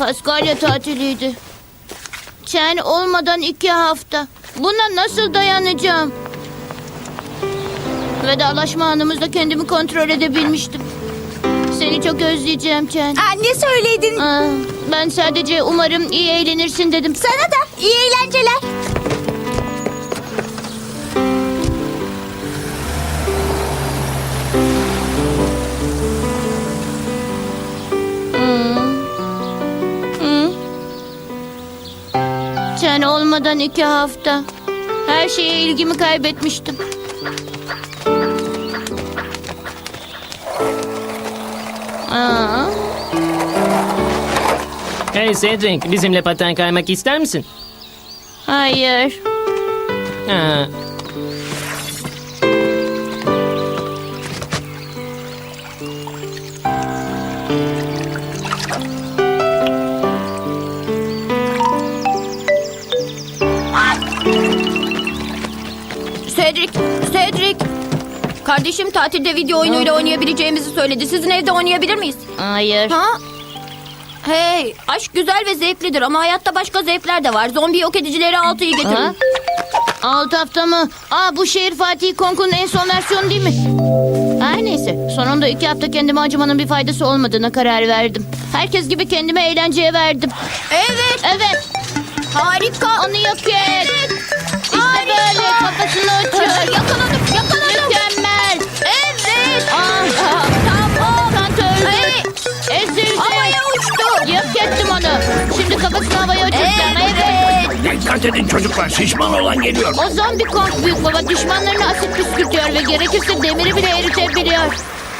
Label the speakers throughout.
Speaker 1: Paskalya tatiliydi. Chen olmadan 2 hafta. Buna nasıl dayanacağım? Vedalaşma anımızda kendimi kontrol edebilmiştim. Seni çok özleyeceğim Chen.
Speaker 2: Ne söyledin?
Speaker 1: Ben sadece umarım iyi eğlenirsin dedim.
Speaker 2: Sana da iyi eğlenceler.
Speaker 1: Chen olmadan 2 hafta. Her şeye ilgimi kaybetmiştim.
Speaker 3: Hey Cedric, bizimle paten kaymak ister misin?
Speaker 1: Hayır.
Speaker 3: Ha.
Speaker 2: Cedric. Kardeşim tatilde video oyunuyla oynayabileceğimizi söyledi. Sizin evde oynayabilir miyiz?
Speaker 1: Hayır.
Speaker 2: Ha? Hey, aşk güzel ve zevklidir ama hayatta başka zevkler de var. Zombi yok edicileri 6'yı getirin.
Speaker 1: Ha? 6 hafta mı? Bu şehir Fatih Konku'nun en son versiyonu değil mi? Her neyse. Sonunda 2 hafta kendime acımanın bir faydası olmadığına karar verdim. Herkes gibi kendime eğlenceye verdim.
Speaker 2: Evet.
Speaker 1: Evet.
Speaker 2: Harika.
Speaker 1: Onu yok et. İşte böyle kafasını uçur.
Speaker 2: Yakaladım.
Speaker 1: Mükemmel.
Speaker 2: Evet.
Speaker 1: Tamam. Kant öldü. Ezildi.
Speaker 2: Havaya uçtu.
Speaker 1: Yok ettim onu. Şimdi kafasını havaya uçuracağım. Evet.
Speaker 4: Dikkat edin çocuklar, şişman olan geliyor.
Speaker 1: O zombi Kong büyük baba düşmanlarına asit püskürtüyor ve gerekirse demiri bile eritebiliyor.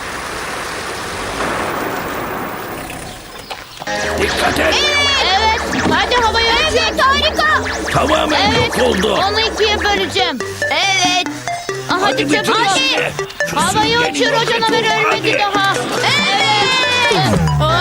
Speaker 4: Dikkat et.
Speaker 1: Evet. Hadi havaya uçur.
Speaker 2: Evet, harika.
Speaker 4: Tamamen
Speaker 1: Evet.
Speaker 4: yok oldu.
Speaker 1: Onu 2'ye böleceğim.
Speaker 2: Evet.
Speaker 1: Hadi
Speaker 4: bitir
Speaker 1: çabuk.
Speaker 4: işini. Şu
Speaker 1: Havaya
Speaker 4: süngeri
Speaker 1: uçur, o
Speaker 4: yok
Speaker 1: canavar
Speaker 4: edin,
Speaker 1: ölmedi
Speaker 4: hadi.
Speaker 1: daha. Evet.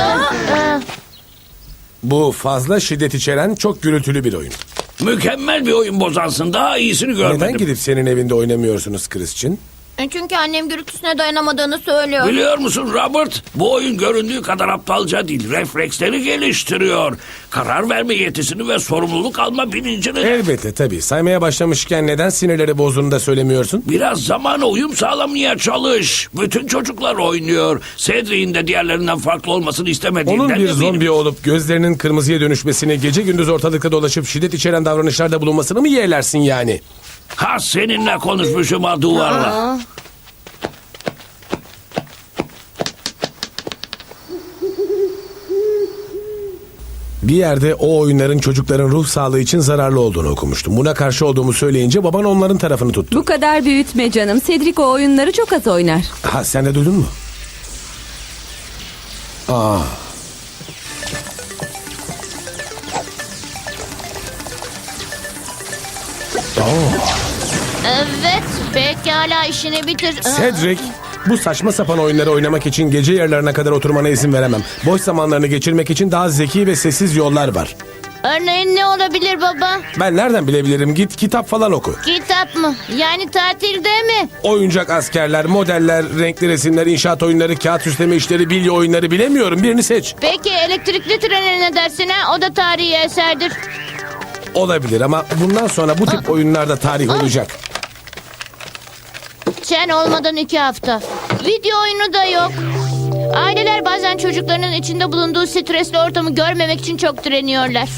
Speaker 5: Bu fazla şiddet içeren çok gürültülü bir oyun.
Speaker 4: Mükemmel bir oyun bozansın. Daha iyisini görmedim.
Speaker 5: Neden gidip senin evinde oynamıyorsunuz Christian?
Speaker 2: Çünkü annem gürültüsüne dayanamadığını söylüyor.
Speaker 4: Biliyor musun Robert? Bu oyun göründüğü kadar aptalca değil. Refleksleri geliştiriyor. Karar verme yetisini ve sorumluluk alma bilincini.
Speaker 5: Elbette tabii. Saymaya başlamışken neden sinirleri bozduğunu da söylemiyorsun?
Speaker 4: Biraz zamana uyum sağlamaya çalış. Bütün çocuklar oynuyor. Cedric'in de diğerlerinden farklı olmasını istemediğinden
Speaker 5: Onun bir
Speaker 4: eminim.
Speaker 5: zombi olup gözlerinin kırmızıya dönüşmesini, gece gündüz ortalıkta dolaşıp şiddet içeren davranışlarda bulunmasını mı yeğlersin yani?
Speaker 4: Ha seninle konuşmuşum ha duvarla.
Speaker 5: Bir yerde o oyunların çocukların ruh sağlığı için zararlı olduğunu okumuştum. Buna karşı olduğumu söyleyince baban onların tarafını tuttu.
Speaker 6: Bu kadar büyütme canım. Cedric o oyunları çok az oynar.
Speaker 5: Ha sen de duydun mu?
Speaker 1: Evet. Pekala işini bitir.
Speaker 5: Cedric, bu saçma sapan oyunları oynamak için gece yarılarına kadar oturmana izin veremem. Boş zamanlarını geçirmek için daha zeki ve sessiz yollar var.
Speaker 1: Örneğin ne olabilir baba?
Speaker 5: Ben nereden bilebilirim? Git kitap falan oku.
Speaker 1: Kitap mı? Yani tatilde mi?
Speaker 5: Oyuncak askerler, modeller, renkli resimler, inşaat oyunları, kağıt süsleme işleri, bilye oyunları bilemiyorum. Birini seç.
Speaker 1: Peki elektrikli trene ne dersin ha? O da tarihi eserdir.
Speaker 5: Olabilir ama bundan sonra bu tip oyunlarda tarih olacak.
Speaker 1: Chen olmadan 2 hafta. Video oyunu da yok. Aileler bazen çocuklarının içinde bulunduğu stresli ortamı görmemek için çok direniyorlar.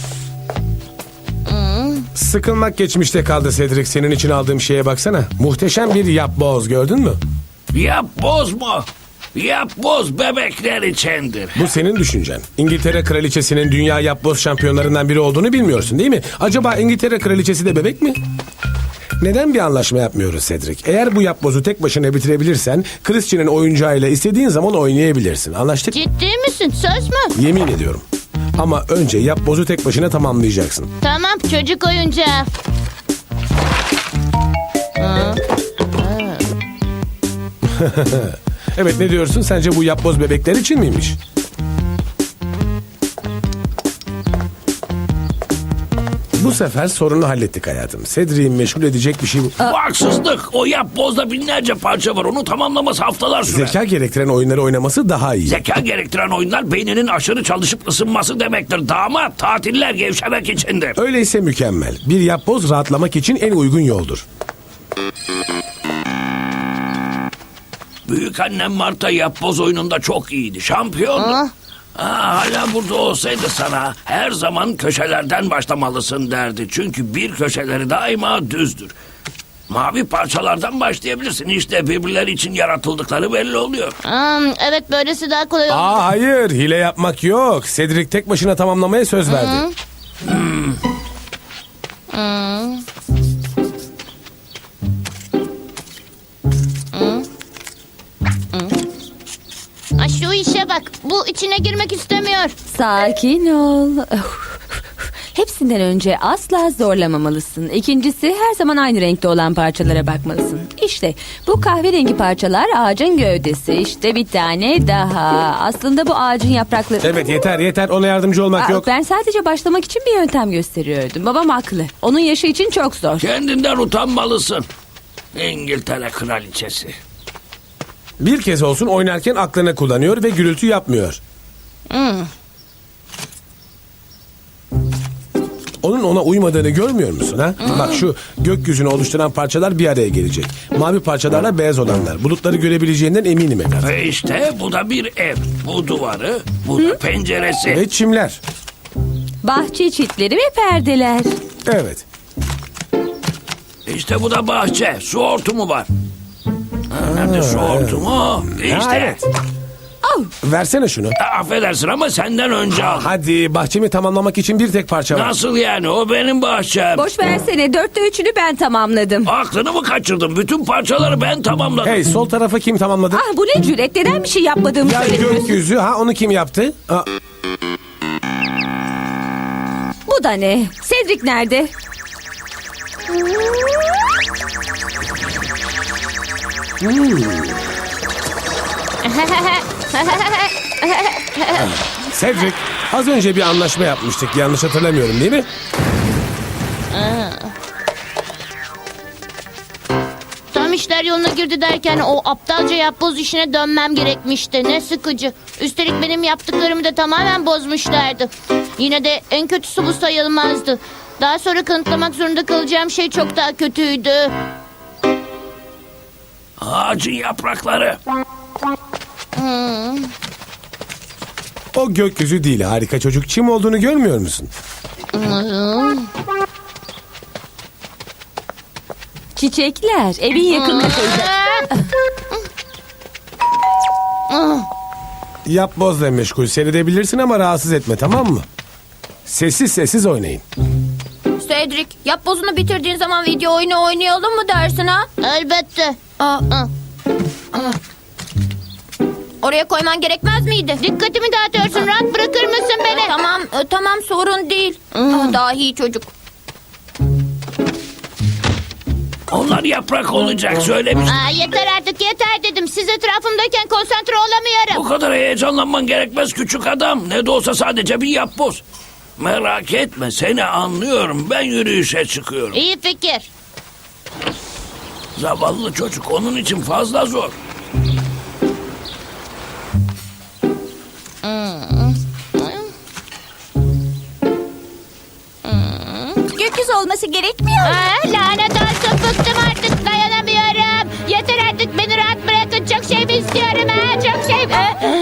Speaker 5: Sıkılmak geçmişte kaldı Cedric. Senin için aldığım şeye baksana. Muhteşem bir yapboz gördün mü?
Speaker 4: Yap bozma. Yap boz bebekler içindir.
Speaker 5: Bu senin düşüncen. İngiltere kraliçesinin dünya yapboz şampiyonlarından biri olduğunu bilmiyorsun değil mi? Acaba İngiltere kraliçesi de bebek mi? Neden bir anlaşma yapmıyoruz Cedric? Eğer bu yapbozu tek başına bitirebilirsen Christian'ın oyuncağıyla istediğin zaman oynayabilirsin. Anlaştık?
Speaker 1: Ciddi misin? Söz mü?
Speaker 5: Yemin ediyorum. Ama önce yapbozu tek başına tamamlayacaksın.
Speaker 1: Tamam çocuk oyuncağı.
Speaker 5: Evet ne diyorsun? Sence bu yapboz bebekler için miymiş? Bu Bu sefer sorunu hallettik hayatım. Cedric'i meşgul edecek bir şey bu.
Speaker 4: Bu haksızlık. O yapbozda binlerce parça var. Onu tamamlaması haftalar sürer.
Speaker 5: Zeka gerektiren oyunları oynaması daha iyi.
Speaker 4: Zeka gerektiren oyunlar beyninin aşırı çalışıp ısınması demektir. Damat, tatiller gevşemek içindir.
Speaker 5: Öyleyse mükemmel. Bir yapboz rahatlamak için en uygun yoldur.
Speaker 4: Büyükannem Marta yapboz oyununda çok iyiydi. Şampiyondu. Hala burada olsaydı sana her zaman köşelerden başlamalısın derdi. Çünkü bir köşeleri daima düzdür. Mavi parçalardan başlayabilirsin. İşte birbirleri için yaratıldıkları belli oluyor.
Speaker 1: Evet, böylesi daha kolay oldu.
Speaker 5: Hayır, hile yapmak yok. Cedric tek başına tamamlamaya söz verdi.
Speaker 1: Şu işe bak. Bu içine girmek istemiyor.
Speaker 6: Sakin ol. Hepsinden önce asla zorlamamalısın. İkincisi her zaman aynı renkte olan parçalara bakmalısın. İşte bu kahverengi parçalar ağacın gövdesi. İşte bir tane daha. Aslında bu ağacın yaprakları...
Speaker 5: Evet, yeter. Ona yardımcı olmak yok.
Speaker 6: Ben sadece başlamak için bir yöntem gösteriyordum. Babam haklı. Onun yaşı için çok zor.
Speaker 4: Kendinden utanmalısın. İngiltere kraliçesi.
Speaker 5: Bir kez olsun oynarken aklını kullanıyor ve gürültü yapmıyor. Onun ona uymadığını görmüyor musun ha? Bak şu gökyüzünü oluşturan parçalar bir araya gelecek. Mavi parçalarla beyaz olanlar. Bulutları görebileceğinden eminim Edgar.
Speaker 4: Ve işte bu da bir ev. Bu duvarı, bu da penceresi.
Speaker 5: Ve çimler.
Speaker 6: Bahçe çitleri ve perdeler.
Speaker 5: Evet.
Speaker 4: İşte bu da bahçe. Su hortumu var. Nerede su hortumu? İşte.
Speaker 5: Ha, evet. Versene şunu.
Speaker 4: Affedersin ama senden önce al.
Speaker 5: Hadi, bahçemi tamamlamak için bir tek parça var.
Speaker 4: Nasıl yani? O benim bahçem.
Speaker 6: Boş versene, 4'te 3'ünü ben tamamladım.
Speaker 4: Aklını mı kaçırdın? Bütün parçaları ben tamamladım.
Speaker 5: Hey, sol tarafa kim tamamladı?
Speaker 6: Bu ne cüret? Neden bir şey yapmadığımı
Speaker 5: Ya
Speaker 6: söylemiyorsun?
Speaker 5: gökyüzü, onu kim yaptı?
Speaker 6: Bu da ne? Cedric nerede?
Speaker 5: Cedric, az önce bir anlaşma yapmıştık. Yanlış hatırlamıyorum değil mi?
Speaker 1: Tam işler yoluna girdi derken o aptalca yapboz işine dönmem gerekmişti. Ne sıkıcı. Üstelik benim yaptıklarımı da tamamen bozmuşlardı. Yine de en kötüsü bu sayılmazdı. Daha sonra kanıtlamak zorunda kalacağım şey çok daha kötüydü.
Speaker 4: Ağacın yaprakları.
Speaker 5: O gökyüzü değil, harika çocuk. Çim olduğunu görmüyor musun?
Speaker 6: Çiçekler. Evin yakınında.
Speaker 5: Yapbozla meşgul seyredebilirsin ama rahatsız etme, tamam mı? Sessiz oynayın.
Speaker 2: Cedric, yapbozunu bitirdiğin zaman video oyunu oynayalım mı dersin ha?
Speaker 1: Elbette.
Speaker 2: Oraya koyman gerekmez miydi?
Speaker 1: Dikkatimi dağıtıyorsun. Rahat bırakır mısın beni?
Speaker 2: Tamam sorun değil. Dahi çocuk.
Speaker 4: Onlar yaprak olacak söylemiş.
Speaker 1: Yeter artık, yeter dedim. Siz etrafımdayken konsantre olamıyorum.
Speaker 4: Bu kadar heyecanlanman gerekmez küçük adam. Ne de olsa sadece bir yapboz. Merak etme, seni anlıyorum. Ben yürüyüşe çıkıyorum.
Speaker 1: İyi fikir.
Speaker 4: Zavallı çocuk, onun için fazla zor.
Speaker 2: Gökyüzü olması gerekmiyor.
Speaker 1: Lanet olsun, bıktım artık, dayanamıyorum. Yeter artık, beni rahat bırakın. Çok şey mi istiyorum çok şey.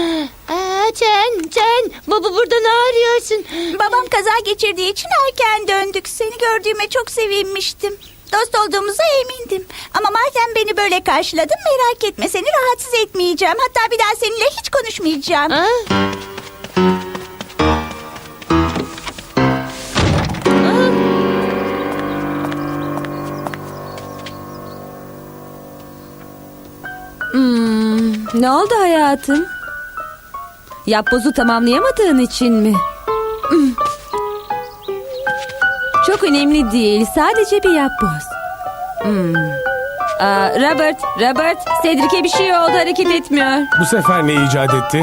Speaker 1: Can, baba burada ne arıyorsun?
Speaker 7: Babam kaza geçirdiği için erken döndük. Seni gördüğüme çok sevinmiştim. Dost olduğumuza emindim. Ama madem beni böyle karşıladın, merak etme, seni rahatsız etmeyeceğim. Hatta bir daha seninle hiç konuşmayacağım.
Speaker 6: Ne oldu hayatım? Yapbozu tamamlayamadığın için mi? Çok önemli değil. Sadece bir yapboz. Robert, Cedric'e bir şey oldu, hareket etmiyor.
Speaker 5: Bu sefer ne icat etti?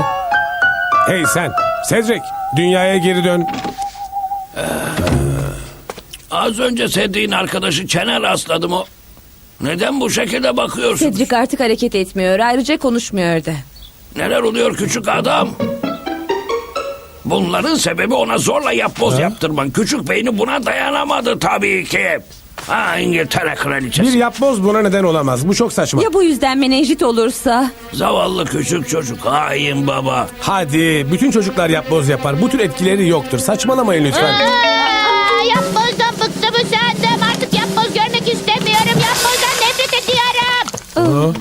Speaker 5: Hey sen, Cedric, dünyaya geri dön.
Speaker 4: Az önce sevdiğin arkadaşı Çen'e rastladım o. Neden bu şekilde bakıyorsun?
Speaker 6: Cedric artık hareket etmiyor. Ayrıca konuşmuyor da.
Speaker 4: Neler oluyor küçük adam? Bunların sebebi ona zorla yapboz yaptırman. Küçük beyni buna dayanamadı tabii ki. Ha, İngiltere kraliçesi.
Speaker 5: Bir yapboz buna neden olamaz. Bu çok saçma.
Speaker 6: Ya bu yüzden menenjit olursa?
Speaker 4: Zavallı küçük çocuk. Hain baba.
Speaker 5: Hadi bütün çocuklar yapboz yapar. Bu tür etkileri yoktur. Saçmalamayın lütfen.
Speaker 1: Yapbozdan bıktım usandım. Artık yapboz görmek istemiyorum. Yapbozdan nefret ediyorum.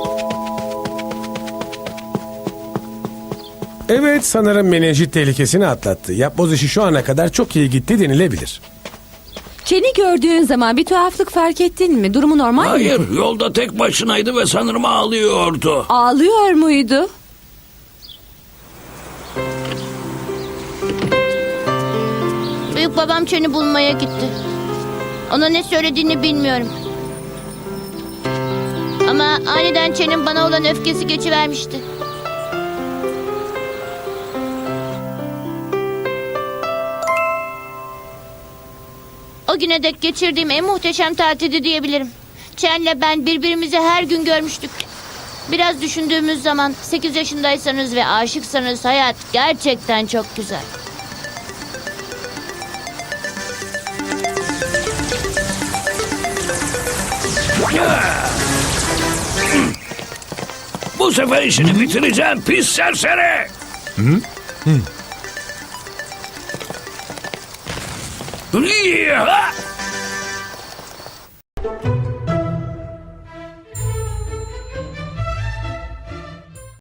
Speaker 5: Evet, sanırım menenjit tehlikesini atlattı. Yapboz işi şu ana kadar çok iyi gitti denilebilir.
Speaker 6: Çeni gördüğün zaman bir tuhaflık fark ettin mi? Durumu normal mi?
Speaker 4: Hayır, yolda tek başınaydı ve sanırım ağlıyordu.
Speaker 6: Ağlıyor muydu?
Speaker 1: Büyük babam Çen'i bulmaya gitti. Ona ne söylediğini bilmiyorum. Ama aniden Çen'in bana olan öfkesi geçivermişti. O güne dek geçirdiğim en muhteşem tatildi diyebilirim. Çen'le ben birbirimizi her gün görmüştük. Biraz düşündüğümüz zaman 8 yaşındaysanız ve aşıksanız hayat gerçekten çok güzel.
Speaker 4: Bu sefer işini bitireceğim pis serseri. Yaha!